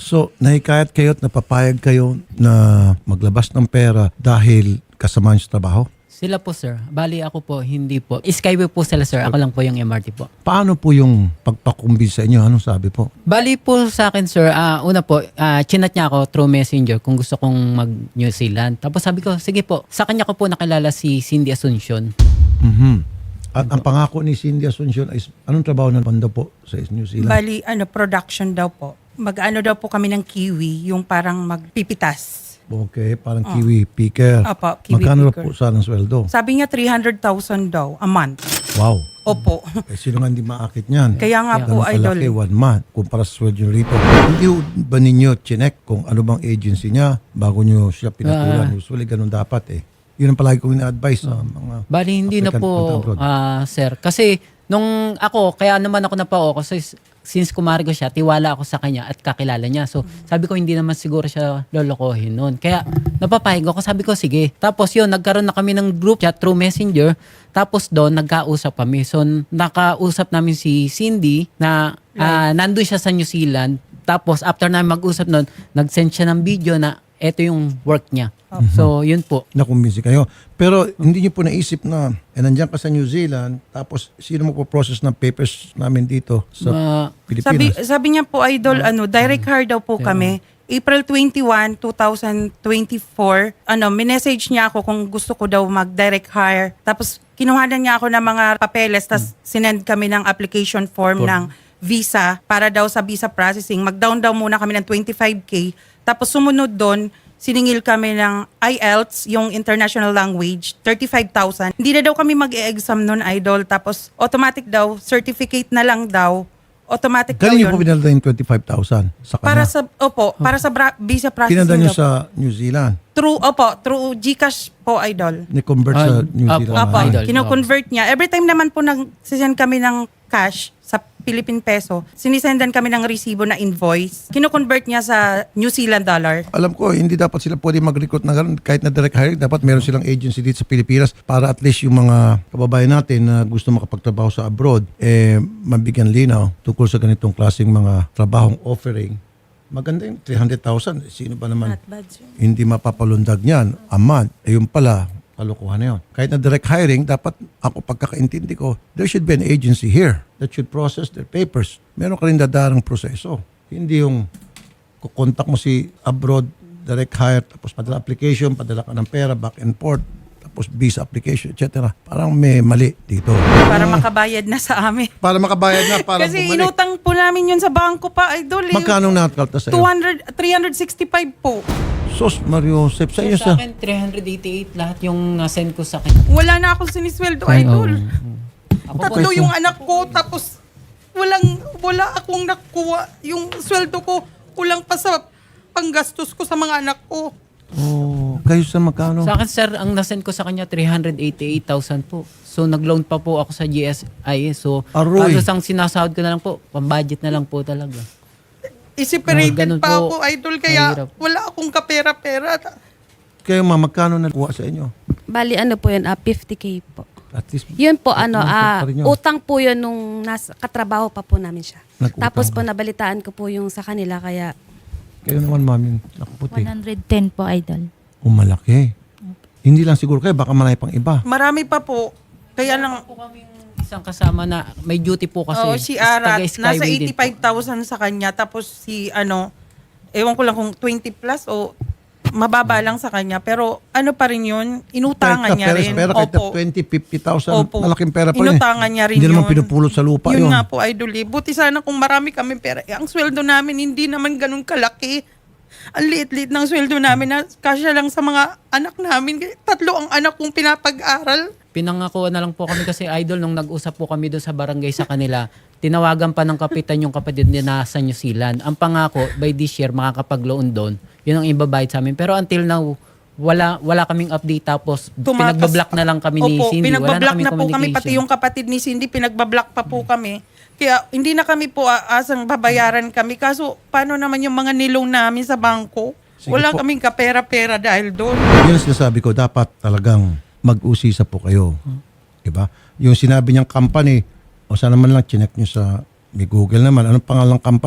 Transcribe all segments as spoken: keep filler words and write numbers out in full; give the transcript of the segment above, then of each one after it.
So, nahikayat kayo at napapayag kayo na maglabas ng pera dahil kasama niyo sa trabaho? Sila po, sir. Bali ako po, hindi po. Skyway po sila, sir. Ako lang po yung M R T po. Paano Paano po yung pagpakumbis sa inyo? Anong sabi po? Bali po sa akin, sir, ah, una po, ah, chinat niya ako through messenger kung gusto kong mag-New Zealand. Tapos sabi ko, sige po. Sa kanya ko po nakilala si Cindy Asuncion. Mhm. At ang pangako ni Cindy Asuncion ay anong trabaho ng banda po sa New Zealand? Bali, ano, production daw po. Mag-ano daw po kami ng kiwi, yung parang magpipitas. Okay, parang kiwi picker. Opo, kiwi Magkano na picker. po sana ang sweldo? Sabi niya three hundred thousand daw a month. Wow. Opo. Eh, sino nga hindi maakit niyan? Kaya nga po, Ganun idol. kalaki, one month, kumpara sa sweldo niyo rito. Hindi ho ba ninyo chinek kung ano bang agency niya bago niyo siya pinatulan? Ah. Usually, ganun dapat eh. Yun ang palagi kong ina-advise sa mga Bali, hindi na applicant punta po, abroad. ah, sir. Kasi nung ako, kaya naman ako napao kasi since kumari ko siya, tiwala ako sa kanya at kakilala niya. So, sabi ko, hindi naman siguro siya lolokohin noon. Kaya, napapayag ako. Sabi ko, sige. Tapos yun, nagkaroon na kami ng group chat through messenger. Tapos doon, nagkausap kami. So, nakausap namin si Cindy na ah, nandun siya sa New Zealand. Tapos, after namin mag-usap noon, nag-send siya ng video na eto yung work niya. So, yun po. Nakumbinsi kayo. Pero hindi niyo po naisip na eh, nandiyan ka sa New Zealand, tapos sino mo po process ng papers namin dito sa Ma- Pilipinas? Sabi, sabi niya po, idol, ano, direct hire daw po kami. April twenty-first, twenty twenty-four, ano, minessage niya ako kung gusto ko daw mag-direct hire. Tapos, kinuhanan niya ako ng mga papeles, tapos sinend kami ng application form ng visa para daw sa visa processing. Mag-down daw muna kami ng twenty-five K. Tapos, sumunod doon, siningil kami ng I E L T S, yung international language, thirty-five thousand. Hindi na daw kami mag-e-exam nun, idol. Tapos, automatic daw, certificate na lang daw. Automatic daw Galing niyo yun. po pinalda yung twenty-five thousand sa kanya. Para sa, opo, para sa bra- visa processing. Pinalda niyo daw po. sa New Zealand. Through, opo, through GCash po, idol. Ni-convert Ah, sa New ah, Zealand. Opo, Opo, idol. kino-convert niya. Every time naman po nag-send kami ng cash sa Philippine peso, sinisendan kami ng resibo na invoice. Kino-convert niya sa New Zealand dollar. Alam ko, hindi dapat sila pwede mag-recruit na gano'n. Kahit na direct hiring, dapat meron silang agency dito sa Pilipinas para at least yung mga kababayan natin na gusto makapagtrabaho sa abroad, eh, mabigyan linaw tungkol sa ganitong klaseng mga trabahong offering. Maganda yung three hundred thousand. Sino ba naman Not bad, sir. hindi mapapalundag niyan a month? Eh, yung pala, kalokohan na yun. Kahit na direct hiring, dapat ako pagkakaintindi ko, there should be an agency here that should process their papers. Meron ka rin dadarang proseso. Hindi yung kukontak mo si abroad, direct hire, tapos padala application, padala ka ng pera, back and forth, tapos visa application, et cetera. Parang may mali dito. Para makabayad na sa amin. Para makabayad na, para Kasi bumalik. inutang po namin yun sa bangko pa, idol. eh. Magkano nakalta sa two iyo? hundred, three hundred sixty-five po. Sos, Mario Joseph, sa iyo sa sa... akin, three hundred eighty-eight lahat yung nasend ko sa kanya. Wala na akong sinisweldo, idol. Ako po, Tatlo yung anak ko, tapos walang, wala akong nakuha. Yung sweldo ko, kulang pa sa panggastos ko sa mga anak ko. Oh, kayo sa magkano? sa akin, sir, ang nasend ko sa kanya, three hundred eighty-eight thousand po. So, nag-loan pa po ako sa G S I. So, Aroy. halos ang sinasahod ko na lang po, pang-budget na lang po talaga. Iseparated Ah, ganun pa po. ako, idol, kaya Mahirap. wala akong kapera-pera. Kayo ma, magkano nakuha sa inyo? Bali ano po yun, ah, fifty K po. At least, Yun po ano, Utang ah, pa rin yun. utang po yun nung nasa, katrabaho pa po namin siya. Nag-utang Tapos po ka. nabalitaan ko po yung sa kanila kaya kayo naman ma'am yung nakaputi. one hundred ten po, idol. Umalaki. Hindi lang siguro kayo, baka marami pang iba. Marami pa po. Kaya lang, Po kami isang kasama na may duty po kasi. oh, si Arat, Taga-Skyway nasa din po. eighty-five thousand sa kanya. Tapos si, ano, ewan ko lang kung twenty plus o mababa lang sa kanya. Pero ano pa rin yun, inutangan Kahit niya na pera, rin. pera, kahit na Opo. twenty, fifty thousand, Opo. malaking pera pa rin. Inutangan niya rin Hindi naman yun. pinupulot sa lupa yun. Yun nga po, idol. eh. Buti sana kung marami kami pera. Eh, ang sweldo namin hindi naman ganun kalaki. Ang liit-liit ng sweldo namin na kasya lang sa mga anak namin. Tatlo ang anak kong pinapag-aral. Pinangako na lang po kami kasi idol nung nag-usap po kami doon sa barangay sa kanila. Tinawagan pa ng kapitan yung kapatid niya na sa New Zealand. Ang pangako, by this year, makakapag-loan doon. Yun ang ibabayad sa amin. Pero until now, wala wala kaming update tapos Tumatas- pinagbablock na lang kami ni Opo, Cindy. Wala na pinagbablock kami na, po kami, communication. pati yung kapatid ni Cindy, pinagbablock pa po kami. Kaya hindi na kami po aasang babayaran kami. Kaso paano naman yung mga nilong namin sa bangko? Sige Wala po. kaming kapera-pera dahil doon. Yun ang sinasabi ko, dapat talagang mag-usisa po kayo. Diba? Yung sinabi niyang company, o sana man lang chinek niyo sa may Google naman, anong pangalang company?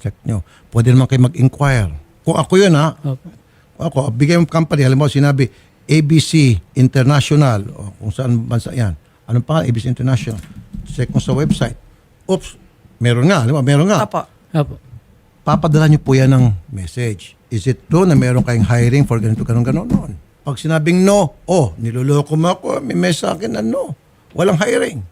check nyo. Pwede naman kayo mag-inquire. Kung ako yun ha, Opo. ako, bigay mo company, alam mo, sinabi, A B C International, o kung saan bansa yan. Anong pangalan? A B C International. Check mo sa website. Oops, meron nga, alam mo, meron nga. Opo. Opo. Papadala nyo po yan ng message. Is it true na meron kayong hiring for ganito, ganun, ganun, noon? Pag sinabing no, oh, niloloko mo ako, may message sa akin na no. Walang hiring.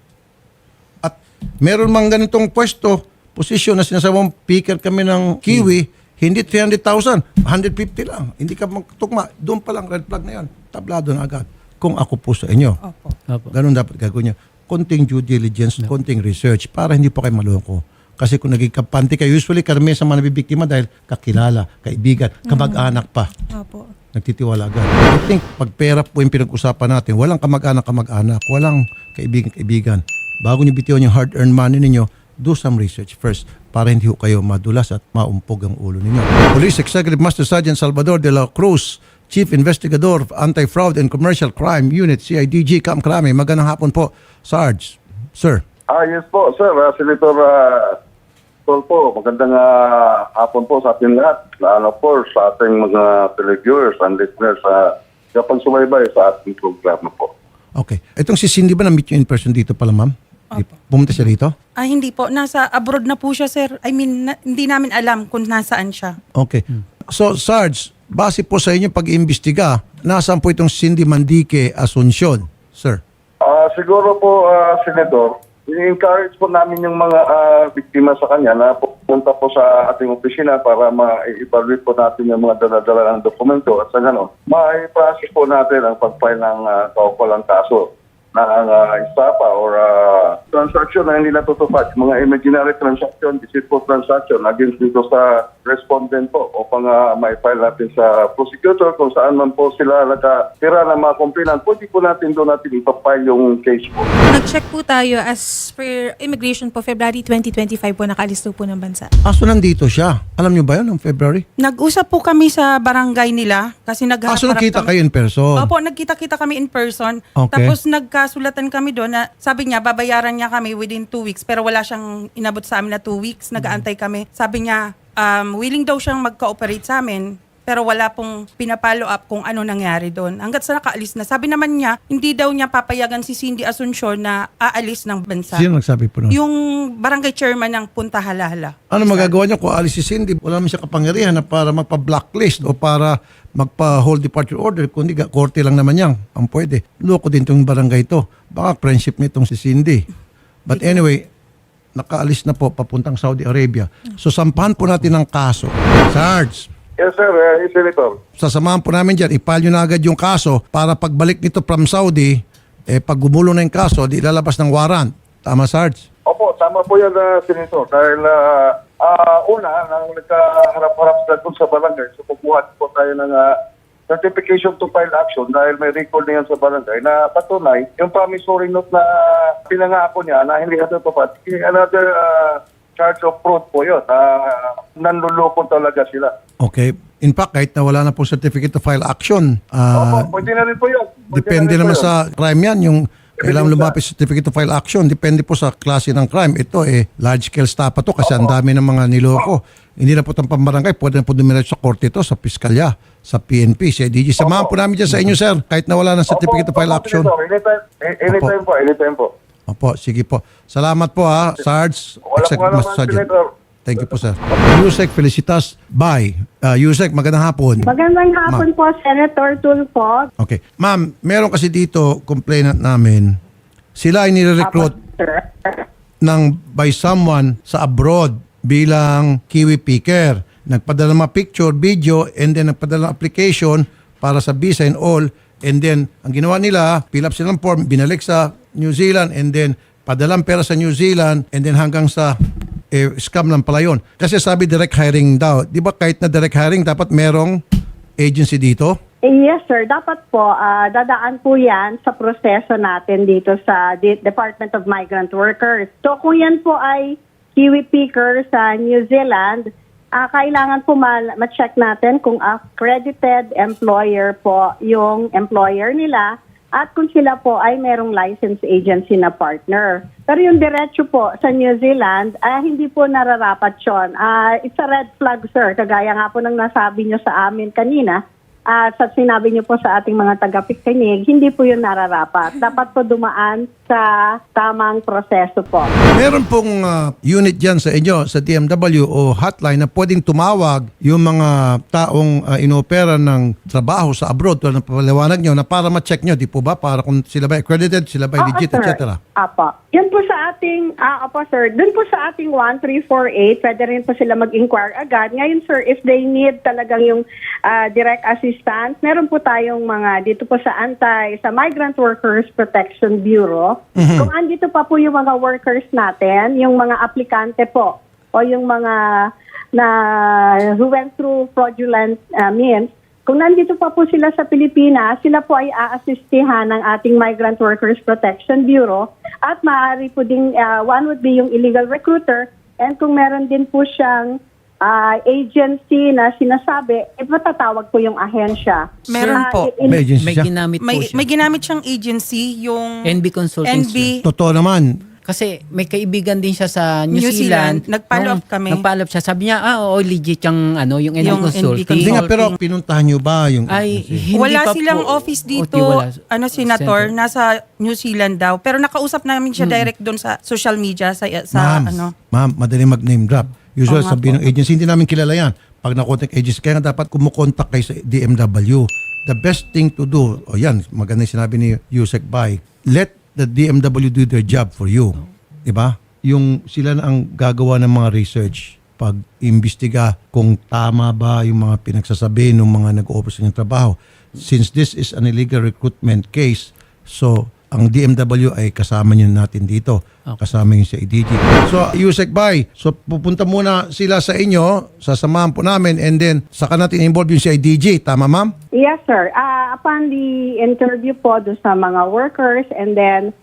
At meron mang ganitong pwesto, posisyon na sinasabi mong picker kami ng Kiwi, hindi three hundred thousand, one hundred fifty lang. Hindi ka magtugma. Doon pa lang red flag na yan. Tablado na agad. Kung ako po sa inyo. Opo. Opo. Ganun dapat gagawin niya. Konting due diligence, konting research para hindi po kayo maloko. Kasi kung naging kampante kayo, usually karamihan sa mga nabibiktima dahil kakilala, kaibigan, kamag-anak pa. Opo. Nagtitiwala agad. I think pag pera po yung pinag-usapan natin, walang kamag-anak, kamag-anak, walang kaibigan, kaibigan. Bago niyo bitiwan yung hard-earned money ninyo, do some research first para hindi ho kayo madulas at maumpog ang ulo ninyo. Police Executive Master Sergeant Salvador de la Cruz, Chief Investigador of Anti-Fraud and Commercial Crime Unit, C I D G, Camp Crame. Magandang hapon po, Sarge. Sir. Ah, yes po, sir. Uh, Senator uh, Tol po, magandang uh, hapon po sa ating lahat. Lalo po sa ating mga televiewers and listeners sa uh, kapag sumaybay sa ating programa po. Okay. Itong si Cindy ba na-meet you in person dito pala, ma'am? Di- Pumunta siya dito? Ah, hindi po. Nasa abroad na po siya, sir. I mean, na- hindi namin alam kung nasaan siya. Okay. So, Sarge, base po sa inyong pag-iimbestiga, nasaan po itong Cindy Mandique Asuncion, sir? Ah, siguro po, uh, Senator, i-encourage po namin yung mga ah, biktima sa kanya na pupunta po sa ating opisina para ma-evaluate po natin yung mga dala-dala ng dokumento at sa gano'n, ma-process po natin ang pag-file ng uh, kaukulang kaso na ang uh, estafa or uh, transaction na hindi natutupad. Mga imaginary transaction, deceitful transaction against dito sa respondent po upang uh, ma-file natin sa prosecutor kung saan man po sila nakatira ng mga kumpilan. Pwede po natin doon natin ipapile yung case po. Nag-check po tayo as per immigration po, February twenty twenty-five po nakaalis po ng bansa. Aso nandito siya. Alam niyo ba yun, noong February? Nag-usap po kami sa barangay nila kasi nagharap Aso nakita kami. kayo in person? Opo, nagkita-kita kami in person. Okay. Tapos nagkasulatan kami doon na sabi niya, babayaran niya kami within two weeks. Pero wala siyang inabot sa amin na two weeks. Nag-aantay kami. Sabi niya, um, willing daw siyang mag-cooperate sa amin. Pero wala pong pinapalo up kung ano nangyari doon. Hanggat sa nakaalis na. Sabi naman niya, hindi daw niya papayagan si Cindy Asuncion na aalis ng bansa. Sino nagsabi po nun? Yung barangay chairman ng Punta Halala. Ano magagawa niya kung alis si Cindy? Wala naman siya kapangyarihan na para magpa-blacklist o para magpa-hold departure order. Kundi korte lang naman yan. Ang pwede. Loko din itong barangay ito. Baka friendship nitong si Cindy. But anyway, nakaalis na po papuntang Saudi Arabia. So sampahan po natin ang kaso. Sarge, Yes, sir. Uh, Senator. sasamahan po namin dyan. Ipal nyo na agad yung kaso para pagbalik nito from Saudi, eh, pag gumulo na yung kaso, di lalabas ng warrant. Tama, Sarge? Opo, tama po yan, uh, Senator. Dahil uh, uh, una, nang nagkaharap-harap sila doon sa barangay, so pupuhat po tayo ng uh, certification to file action dahil may record na yan sa barangay na patunay yung promissory note na pinangako niya na hindi natutupad. Another uh, charge of fraud po yun. Uh, nanluloko talaga sila. Okay. In fact, kahit na wala na po certificate to file action, ah, Opo, pwede na rin po yun. Pwede depende na rin naman po yun. sa crime yan, yung kailangan lumapit sa certificate to file action. Depende po sa klase ng crime. Ito eh, large scale stapa to kasi ang dami ng mga niloko. Hindi na po itong pambarangay. Pwede na po dumiretso sa korte ito, sa piskalya, sa P N P, sa D G. Samahan po namin dyan sa inyo, sir. Kahit na wala ng certificate to file Opo, action. Senator. Anytime, anytime po, anytime po. Opo, sige po. Salamat po ha, Sarge. Wala Executive po alam, Master Sergeant. Senator. Thank you po, sir. Yusek, Felicitas, bye. Uh, Yusek, magandang hapon. Magandang hapon po, Senator Tulfo. Okay. Ma'am, meron kasi dito complainant namin. Sila ay nire-recruit Sir. ng by someone sa abroad bilang kiwi picker. Nagpadala ng mga picture, video, and then nagpadala ng application para sa visa and all. And then, ang ginawa nila, fill up sila ng form, binalik sa New Zealand, and then padalang pera sa New Zealand, and then hanggang sa eh, scam lang pala yun. Kasi sabi direct hiring daw. Di ba kahit na direct hiring, dapat merong agency dito? Eh, yes, sir. Dapat po, ah, dadaan po yan sa proseso natin dito sa De- Department of Migrant Workers. So, kung yan po ay kiwi picker sa New Zealand, ah, kailangan po ma- ma-check natin kung accredited employer po yung employer nila at kung sila po ay merong license agency na partner. Pero yung diretso po sa New Zealand, ah, hindi po nararapat yun. Ah, it's a red flag, sir. Kagaya nga po ng nasabi nyo sa amin kanina, ah, sa sinabi nyo po sa ating mga tagapakinig, hindi po yun nararapat. Dapat po dumaan sa tamang proseso po. Meron pong ah, unit dyan sa inyo, sa D M W o hotline na pwedeng tumawag yung mga taong ah, inopera ng trabaho sa abroad, tulad ng paliwanag nyo, na para ma-check nyo, di po ba? Para kung sila ba accredited, sila ba Oo, legit, sir. et cetera. Apo. Yun po sa ating, ah, apo sir, dun po sa ating one three four eight, pwede rin po sila mag-inquire agad. Ngayon sir, if they need talagang yung ah, direct assistance, meron po tayong mga dito po sa Antay, sa Migrant Workers Protection Bureau. Kung andito pa po yung mga workers natin, yung mga aplikante po, o yung mga na who went through fraudulent ah, means, kung nandito pa po sila sa Pilipinas, sila po ay aasistihan ng ating Migrant Workers Protection Bureau at maaari po ding, ah, one would be yung illegal recruiter, and kung meron din po siyang ah, agency na sinasabi, eh, matatawag po yung ahensya. Meron Ah, po. in- May agency May siya. ginamit po May, siya. may ginamit siyang agency, yung N B Consulting. N B. Totoo naman. Kasi may kaibigan din siya sa New, New Zealand. Zealand. Nag-follow Nung up kami. Nag-follow up siya. Sabi niya, ah, oo, legit yung, ano, yung N B Yung N B Consulting. Hindi nga, pero Consulting. pinuntahan nyo ba yung Ay, agency? hindi wala pa silang po. office dito, O, di wala. ano, senator, Center. nasa New Zealand daw. Pero nakausap namin siya direct doon sa social media, sa, sa Ma'am, ano. ma'am, madali mag-name drop. Usual Oo nga sabihin ng agency, hindi namin kilala yan. Pag na-contact agency, kaya nga dapat kumukontak kayo sa D M W. The best thing to do, o yan, maganda yung sinabi ni Yusek Bay, let the D M W do their job for you. Diba? Yung sila na ang gagawa ng mga research, pag-imbestiga kung tama ba yung mga pinagsasabi ng mga nag-offer sa inyong trabaho. Since this is an illegal recruitment case, so ang D M W ay kasama nyo natin dito. Kasama yung sa I D G. So, Yusek Bay, so pupunta muna sila sa inyo, sasamahan po namin, and then saka natin involve yung sa I D G. Tama, ma'am? Yes, sir. Ah, upon the interview po doon sa mga workers, and then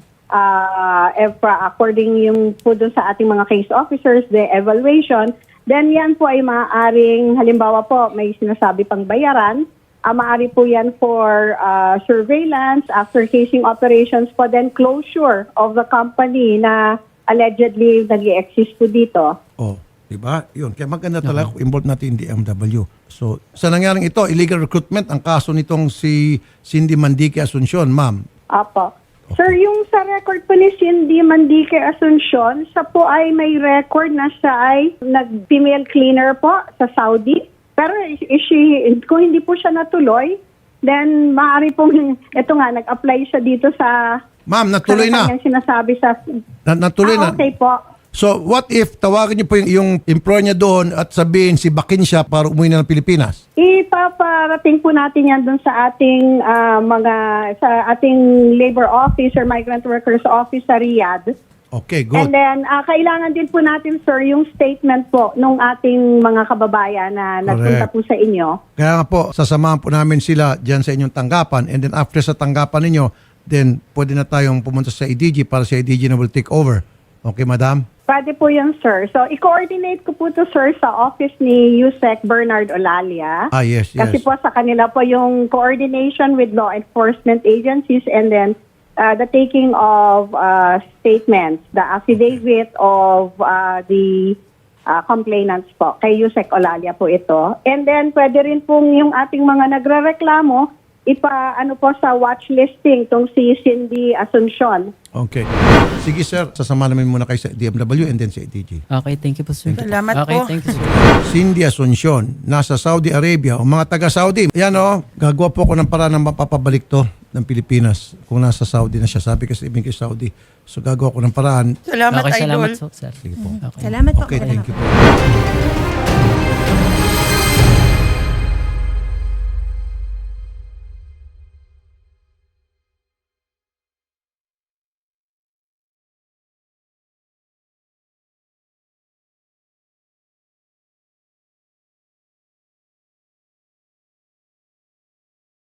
uh, if, uh, according yung po doon sa ating mga case officers, the evaluation, then yan po ay maaaring, halimbawa po, may sinasabi pang bayaran, uh, maaari po yan for uh, surveillance, after casing operations po, then closure of the company na allegedly nag-i-exist po dito. Oh, di ba? Yun. Kaya maganda talaga kung involve natin yung D M W. So, sa nangyaring ito, illegal recruitment, ang kaso nitong si Cindy Mandique Asuncion, ma'am. Apo. Sir, yung sa record po ni Cindy Mandique Asuncion, siya po ay may record na siya ay nag-female cleaner po sa Saudi. Pero is she, kung hindi po siya natuloy, then maaari pong, ito nga, nag-apply siya dito sa... Ma'am, natuloy sa na. kanyang sinasabi sa... na. Natuloy ah, na. okay po. So, what if tawagin niyo po yung, yung employer niya doon at sabihin si Bakin siya para umuwi na ng Pilipinas? Ipaparating po natin yan doon sa ating ah, mga, sa ating labor office or migrant workers office sa Riyadh. Okay, good. And then, ah, kailangan din po natin, sir, yung statement po nung ating mga kababayan na nagpunta Correct. po sa inyo. Kaya nga po, sasamahan po namin sila dyan sa inyong tanggapan, and then after sa tanggapan ninyo, then pwede na tayong pumunta sa I D G para sa I D G na will take over. Okay, madam? Pwede po yun, sir. So, i-coordinate ko po to, sir, sa office ni Yusek Bernard Olalia. Ah, yes, yes. Kasi po sa kanila po yung coordination with law enforcement agencies, and then uh, the taking of uh, statements, the affidavit of uh, the uh, complainants po. Kay Yusek Olalia po ito. And then pwede rin pong yung ating mga nagrereklamo, ipa ano po sa watch listing tong si Cindy Asuncion. Okay. Sige, sir. Sasama namin muna kayo sa D M W and then sa I D G. Okay, thank you po, sir. Salamat okay, po. thank you, sir. Cindy Asuncion, nasa Saudi Arabia. O mga taga-Saudi, yan o, gagawa po ako ng paraan ng mapapabalik to ng Pilipinas kung nasa Saudi na siya. Sabi kasi ibig kay Saudi. So gagawa ko ng paraan. Salamat, Okay, idol. salamat, so, sir. Sige po. Okay. Salamat po. Okay, thank you po.